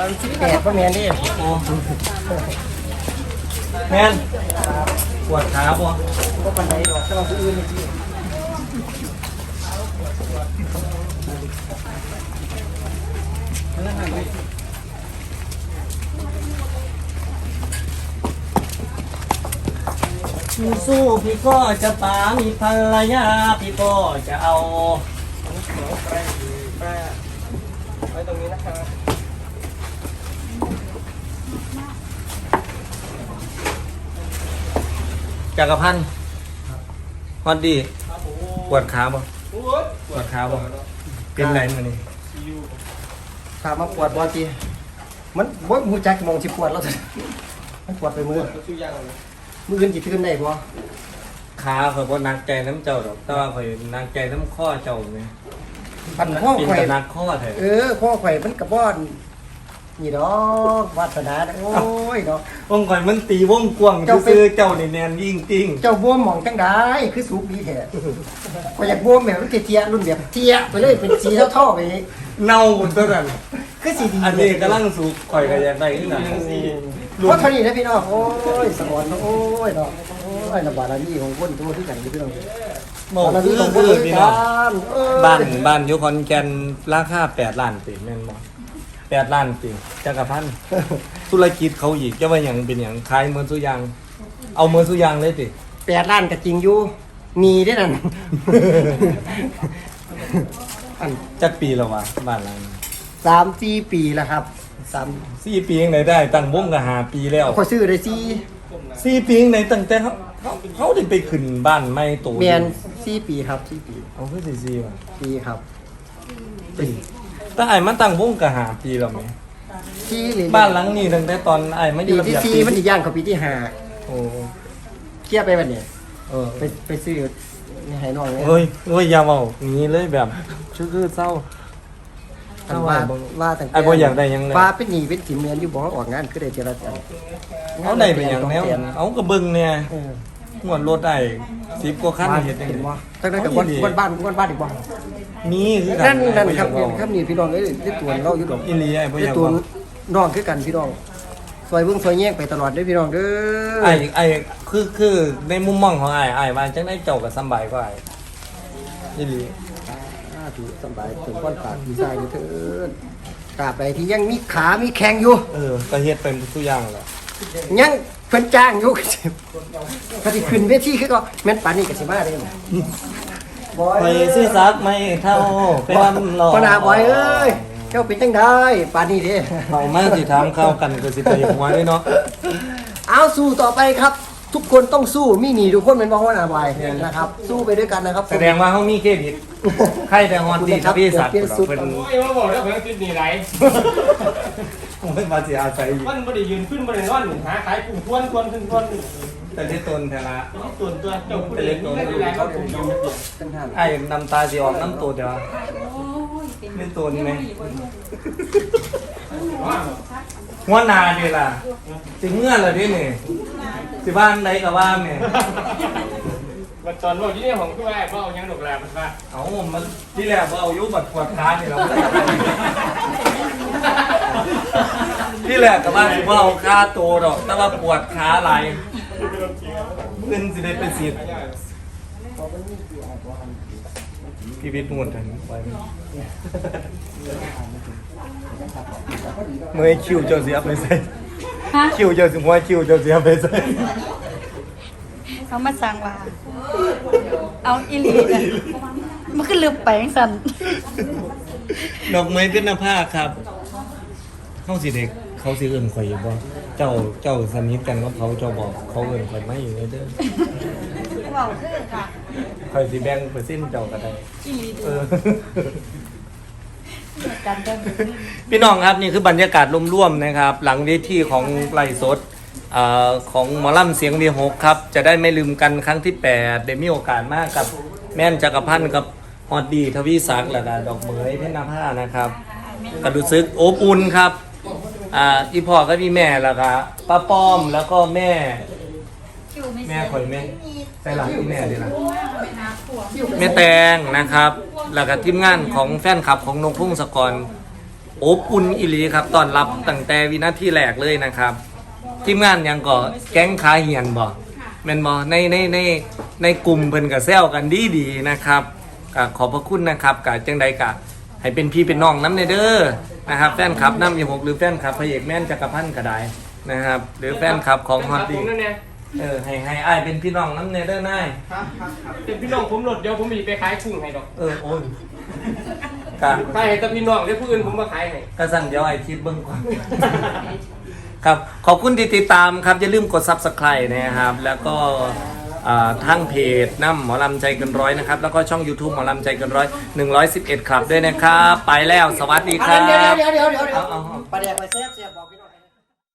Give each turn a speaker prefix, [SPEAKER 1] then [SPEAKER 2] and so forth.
[SPEAKER 1] 18พ่อแม่นดิ
[SPEAKER 2] โอ้แมนปวดขาบ่
[SPEAKER 1] ก็ปันไดดอกแต่ว่าผู้อื่นนี่พี่
[SPEAKER 2] สู้พี่ก็จะปามีภรรยาพี่ก็จะเอา
[SPEAKER 1] ไว้ตรงนี้นะครับ
[SPEAKER 2] จักรพันธ์ฮอดดีปวดขาบ่ปวดขาบ่เป็นไรมื้อนี้
[SPEAKER 1] ถามมาปวดบ่จีมันบ่ฮู้จักมองสิปวดแล้วมันปวดไปมืออื่นสิขึ้นได้บ่
[SPEAKER 2] ขาข่อยบ่หนักใจน้ำเจ้าดอกแต่ว่าข่อยหนักใจน้ำข้อเจ้าแม่
[SPEAKER 1] ปันข้อ
[SPEAKER 2] เป็น
[SPEAKER 1] ข่อย
[SPEAKER 2] แต่หนักข้อแท้
[SPEAKER 1] ข้อข่อยมันกระบ่อนนี่ดอกวาสนาโอ้ยดอก
[SPEAKER 2] วงข่อยมันตีวงกว้างซื่อเจ้านี่แน่นยิ่งติ้ง
[SPEAKER 1] เจ้าบวมหม่องจังได๋คือสูบดีแท้ข่อยอยากบวมแบบมันเตี้ยๆรุ่นแบบเตี้ยไปเลยเป็นสีเท่าๆไป
[SPEAKER 2] เน่าหมดตัวนั้น
[SPEAKER 1] คือสิดี
[SPEAKER 2] อันนี้กำลังสูบข่อยก็อยากได้คือกัน
[SPEAKER 1] เพราะเท่านี้นะพี่น้องโอ้ยสมอนโอ้ยดอกโอ้ยระบาดนี้ของคนตัวที่กันพี่น้อง
[SPEAKER 2] บาดนี้ของคนพี่น้องบ้านอยู่ขอนแก่นราคา8 ล้านติแม่นบ่8 ล้านติจักรพันธ์ธุรกิจเขาอีกจะว่าหยังเป็นหยังขายเหมือนสุยางเอาเหมือนสุยางเลยติ
[SPEAKER 1] 8 ล้านก็จริงอยู่มีได้นั่น
[SPEAKER 2] จักปีแล้ววะบ้านหลัง
[SPEAKER 1] 3-4 ปีแล้วครับ
[SPEAKER 2] 4 ปียังไงได้ตั้งวงก็5 ปีแล้ว
[SPEAKER 1] ขอซื้อได้
[SPEAKER 2] 4 ปียังไงตั้งแต่เขาได้ไปขึ้นบ้านใหม่โต
[SPEAKER 1] แม่น4 ปีครับ4 ปี
[SPEAKER 2] เอาคือ4ว่ะ
[SPEAKER 1] ปีครับ
[SPEAKER 2] แต่ไอ้มันตั้งวงก็5 ปีแล้วแม่บ้านหลังนี้ตั้งแต่ตอนไอ้มาอยู่
[SPEAKER 1] ปีที่4มันสิย่างเข้าปีที่5
[SPEAKER 2] โอ้
[SPEAKER 1] เคลียร์ไปบัดนี้ไปซื้อนี่ให้น้อง
[SPEAKER 2] เฮ้ยอย่าเว้างี้เลยแบบคือเศร้า
[SPEAKER 1] ว่าตั้งแต่
[SPEAKER 2] ไอ้บ่อยากได้ยังเลย
[SPEAKER 1] ฟ้าเป็นหนี้เป็นสินเมียนอยู่บ่ออกงานคือได้เจรจา
[SPEAKER 2] เอาได้เป็นหยังแล้วเอาก็เบิ่งเนี่ยงวดรถได้10 กว่าคันเฮ็ดจังได๋
[SPEAKER 1] ตั้งแต่กับบ้านอีกบ่
[SPEAKER 2] มีคือกั
[SPEAKER 1] นนั่นครับนี่พี่น้องเอ้ยที่ตัวเราอยู่ดอก
[SPEAKER 2] อีหลีไอ้บ่อยาก
[SPEAKER 1] ตัวน้องคือกันพี่น้องซอยเบิ่งซอยแยกไปตลอดเด้อพี่น้องเด้อ
[SPEAKER 2] ไอ้คือในมุมมองของไอ้ว่าจังได๋เจ้าก็สำบายกว่าไอ้อีหลี
[SPEAKER 1] ถือสบายถึงก้อนปากพี่ชายอยู่เถิดตราบใดที่ยังมีขามีแข้งอยู่
[SPEAKER 2] ก็เฮ็ดเป็นทุกอย่างแหละ
[SPEAKER 1] ยังเพิ่นจ้างอยู่ก็สิขึ้นเวทีคือก็แม่นปานนี้ก็สิมาได้
[SPEAKER 2] บอยซื้อซักไม่เท่าเป็นหล่อ
[SPEAKER 1] ปนาบอยเอ้ยเจ้าเป็นจังได๋ปานนี้เด้
[SPEAKER 2] เอามาสิถามข้าวกันก็สิไปหัวเด้เนาะ
[SPEAKER 1] เอาสู้ต่อไปครับทุกคนต้องสู้มีหนีทุกคนเป็นบ่ฮู้หน้าบอยนะครับสู้ไปด้วยกันนะครับ
[SPEAKER 2] แสดงว่าเฮามีเครดิตใครแต่ฮอนดีครับพี่สัตว์เพิ่น
[SPEAKER 3] โอ้ยมาบอกแล้วเพิ่นติดหนี้ไหล
[SPEAKER 2] ผมเป็นมาสิอาศัย
[SPEAKER 3] มันบ่ได้ยืนขึ้นบ่ได้นอนหาขายกุ้งทวน
[SPEAKER 2] แต่ที่ตนแท้ละ
[SPEAKER 3] ตัวเจ้าผู้ใดตัวเขาถูก
[SPEAKER 2] ไอ้น้ำตาสิออกน้ำตัวเดียวเล่นตัวนี้ไหมหัวหน้านี่ล่ะสิเมื่อล่ะดินี่สิบ้านใดก็ว่าแม่
[SPEAKER 3] มันตอนว่าที่นี่ของคือว่าบ่เอาหยังดอกแลมันว่า
[SPEAKER 2] เอามันที่แรกบ่เอาอยู่บัดปวดขานี่เราที่แรกก็ว่าสิบ่เอาค่าโตดอกแต่ว่าปวดขาหลายเงินสิได้ไปสิพี่วิทย์มุ่นทันไว้เมื่อคิวเจ้าเสียไปใส่คิวเจ้าสิหัวคิวเจ้าเสียไปใส่
[SPEAKER 4] เขามาสั่งว่าเอาอีหลีกันมันก็ลืมไปจังซั่น
[SPEAKER 2] ดอกไม้เป็นหน้าผ้าครับเฮาสิเด็กเขาสิเอิ้นข่อยบ่เจ้าสนิทกันกับเขาเจ้าบอกเขาเอิ้นข่อยไม่อยู่เด้อ
[SPEAKER 4] เว้าคือค่ะ
[SPEAKER 2] ข่อยสิแบ่งเปอร์เซ็นต์เจ้าก็ได้
[SPEAKER 4] อีหลีกันเด้อ
[SPEAKER 2] พี่น้องครับนี่คือบรรยากาศร่วมๆนะครับหลังเวทีของไลฟ์สดของหมอลำเสียงวีหกครับจะได้ไม่ลืมกันครั้งที่8ได้มีโอกาสมากกับแม่นจักรพันธ์กับฮอดดีทวีศักดิ์และดอกเหมยเพชรนภานะครับก็รู้สึกอบอุ่นครับอีพ่อก็มีแม่แล้วก็ป้าป้อมแล้วก็แม่ข่อยแม่ใส่หลังที่แม่ดีนะแม่แตงนะครับแล้วก็ทีมงานของแฟนคลับของนงพุ่งสกรอบอุ่นอิลีครับตอนรับตั้งแต่วินาทีแรกเลยนะครับทีมงานยังก็แก๊งขาเหียนบ่แม่นบ่ในกลุ่มเพิ่นก็แซวกันดีๆนะครับก็ขอบพระคุณนะครับกะจังใดกะให้เป็นพี่เป็นน้องน้ำในเด้อนะครับแฟนคลับน้ำ26หรือแฟนคลับพระเอกแม่นจักรพันธ์ก็ได้นะครับหรือแฟนคลับของฮอต
[SPEAKER 3] ผ
[SPEAKER 2] ดี้
[SPEAKER 3] มนั่นเนี่ย
[SPEAKER 2] ให้อ้ายเป็นพี่น้องน้ำในเด้อนาย
[SPEAKER 3] เป็นพี่น้องผมหลดเดี๋ยวผมมีไปขายกุ้งให้ดอก
[SPEAKER 2] โอ้ยกะ
[SPEAKER 3] ขายให้แต่พี่น้องเดี๋ยวผู้อื่นผมมาขายให้
[SPEAKER 2] กระสั่นเดี๋ยวไอ้คิดเบิ่งก่อน ครับขอบคุณที่ติดตามครับอย่าลืมกด Subscribe นะครับ แล้วก็ทางเพจน้ำหมอลำใจเกินร้อยนะครับ แล้วก็ช่อง YouTube หมอลำใจเกินร้อย111 ครับด้วยนะครับ ไปแล้วสวัสดีครับ
[SPEAKER 1] เดี๋ยว
[SPEAKER 2] เอา
[SPEAKER 1] ปลาแดกไปเซฟบอก